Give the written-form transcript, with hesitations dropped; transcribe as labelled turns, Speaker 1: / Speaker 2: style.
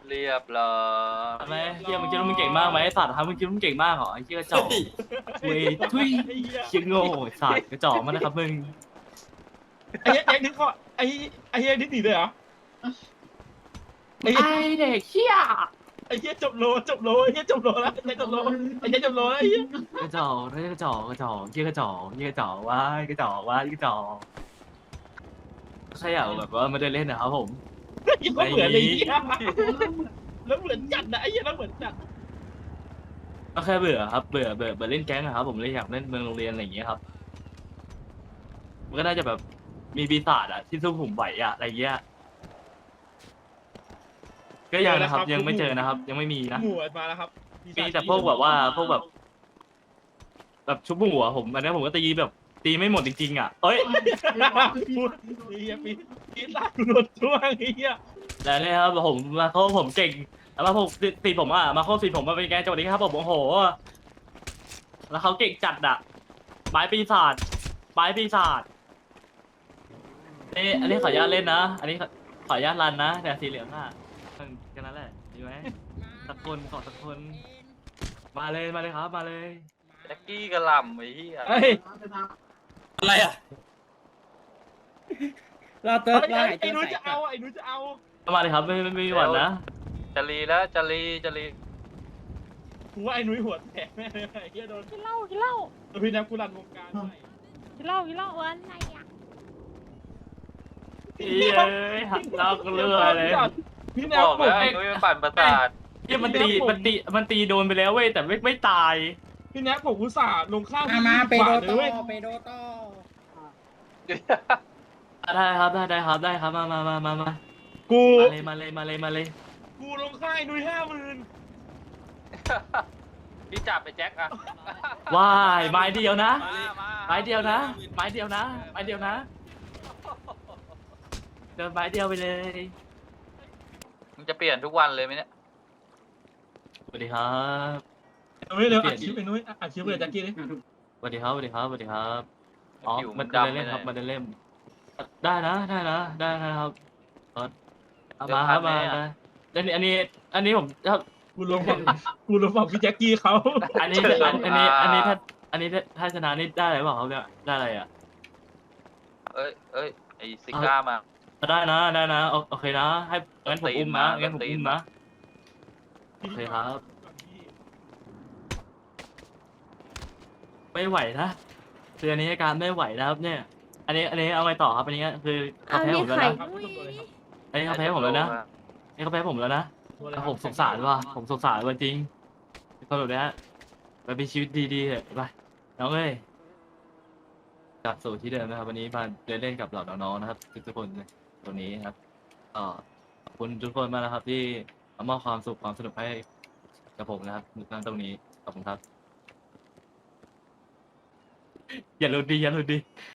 Speaker 1: เรียบร้อย
Speaker 2: ทำไมเฮียมึงคิดว่ามึงเก่งมากไหมไอ้สัตว์ฮะมึงคิดว่ามึงเก่งมากเหรอไอ้เฮียกระจอกเว้ยทุยเชี่ยโง่ไอ้สัตว์กระจอกมากนะครับมึง
Speaker 3: ไอ้เหี้ยแจ็คนี่เขาไอ้เหี้ยนี่หนีเลยเหรอไอ้
Speaker 2: ไอเด็กเฮีย
Speaker 3: ไอ้เหี้ยจบโลไอ้เหี้ยจบโลแล้วไอ้เหี้ยจบโลไอ้เหี้ยจบโลแล้วไอ้เหี้ย
Speaker 2: กระจอกเฮ้ยกระจอกกระจอกเฮียกระจอกเฮียกระจอกว้ายกระจอกว้ายกระจอกใครอยากแบบว่ามาเดินเล่นนะครับผม
Speaker 3: ยิ่งก็เหมือนเลยไอ้เหี้ยแล้วเหมือนจัดนะไอ้เหี้ยแล้วเหมือนจัด
Speaker 2: ก็แค่เบื่อครับเบื่อเล่นแก๊งอะครับผมเลยอยากเล่นเมืองโรงเรียนอะไรอย่างเงี้ยครับมันก็น่าจะแบบมีปีศาจอะที่สู้ผมไหวอะอะไรเงี้ยก็ยังนะครับยังไม่เจอนะครับ ยังไม่มีนะ
Speaker 3: หมวดมาแล้วครับ
Speaker 2: มีแต่พวกแบบว่าพวกแบบชุบหัวผมอันนี้ผมก็ตีแบบตีไม่หมดจริงๆอ่ะเอ้ย
Speaker 3: พูดไอ้เหี้ยปีศาจหลุดช่วงไอ้เหี้ย
Speaker 2: แต่เนี่ยครับผมมาเข้าผมเก่งแล้วมาพวกตีผมอ่ะมาเข้าตีผมมาเป็นแกงจังหวะนี้ครับผมโอ้โหแล้วเขาเก่งจัดอ่ะไม้ปีศาจไม้ปีศาจนี่อันนี้ขออนุญาตเล่นนะอันนี้ขออนุญาตรันนะแต่สีเหลืองอ่ะแค่นั้นแหละดีไหมสักคนขอสักคนมาเลยครับมาเลย
Speaker 1: แจ็คกี้กระหล่ำไอ้เหี้ย
Speaker 3: เฮ้ย
Speaker 4: อะไรอ่ะ
Speaker 5: เราเติร์ดเราหาย
Speaker 3: ไอ้
Speaker 5: ตัว
Speaker 3: นุ้ย
Speaker 5: ใส่
Speaker 3: จะเอาไอ้นุ้ยจะเอา
Speaker 2: มาเลยครับไม่มีหวั่นนะ
Speaker 1: จะรีแล้วจะรี
Speaker 3: กูว่าไอ้นุ้ยหัวแตกแน่เลยไอ้เหี้ยโดน
Speaker 6: กินเหล้ากินเหล้า
Speaker 3: พี่นักกูรันวงการไป
Speaker 6: กินเหล้ากินเหล้าวันไหนอ่ะ
Speaker 2: เอ้ยหักเราก็เลื่อยเลย
Speaker 3: พี่แน
Speaker 1: บ
Speaker 3: ว
Speaker 1: อก
Speaker 3: ผ
Speaker 1: แล้ว
Speaker 3: ม
Speaker 1: ไอ้นุ้ยมันปั่นประสาท
Speaker 2: เนี่ยมันตีโดนไปแล้วเว้ยแต่ไม่ตาย
Speaker 3: พี่แนวผมอุตส่าห์ลงข้าว
Speaker 5: มาเปโด
Speaker 3: เล
Speaker 5: โต้
Speaker 3: ยเว้ย
Speaker 5: เปโดโต้
Speaker 2: ได้ครับได้ครับมา
Speaker 3: กู
Speaker 2: มาเลย
Speaker 3: กูลงค่ายนุ้ย50,000
Speaker 1: พี่จับไปแจ็คอะ
Speaker 2: ว้ายไม้เดียวนะ
Speaker 1: มามา
Speaker 2: ไม้เดียวนะเดินไม้เดียวไปเลย
Speaker 1: มึงจะเปลี่ยนทุกวันเลยไหมเนี่ย
Speaker 2: สวัสดีครับ
Speaker 3: นุ้ยเร็วอัดคลิปไอ้นุ้ยอัดคลิปเลยแจ็คกี้ดิ
Speaker 2: สวัสดีครับอ๋อ
Speaker 1: ผิว
Speaker 2: มัน
Speaker 1: ดำ
Speaker 2: เล่นครับ
Speaker 1: ไป
Speaker 2: มัน
Speaker 1: เลย
Speaker 2: เล่นได้นะครับมาครับมาอันนี้ผมครับ
Speaker 3: กูลงฝั่งพี่แจ็คกี้เขา
Speaker 2: อันนี้ถ้าชนะนี่ได้อะไรเปล่าครับเนี่ยได้อะไรอ่ะ
Speaker 1: เอ้ยไอ้ซิก้ามา
Speaker 2: ได้นะโอเคนะให้งั้นผมอุ้มนะงั้นผมอุ้มนะโอเคครับ ไม่ไหวนะคืออันนี้อาการไม่ไหวนะครับเนี่ย อันนี้เอาไงต่อครับอันนี้คือเขาแพ้ผมแล้วนะ
Speaker 3: ครับทุกคนเลยครับ
Speaker 2: อันนี้เขาแพ้ผมแล้วนะอันนี้เขาแพ้ผมแล้วนะผมสงสารว่ะผมสงสารว่ะจริงคนแบบนี้ไปมีชีวิตดีๆเถอะไปน้องเอ้ยกลับสู่ที่เดิมนะครับวันนี้มาเดินเล่นกับเหล่าน้องๆนะครับทุกคนเลยตัวนี้ครับขอบคุณทุกคนมากนะครับ ที่มามอบความสุขความสนุกให้กับผมนะครับนั่งตรงนี้ขอบคุณครับ อย่าหลุดดิ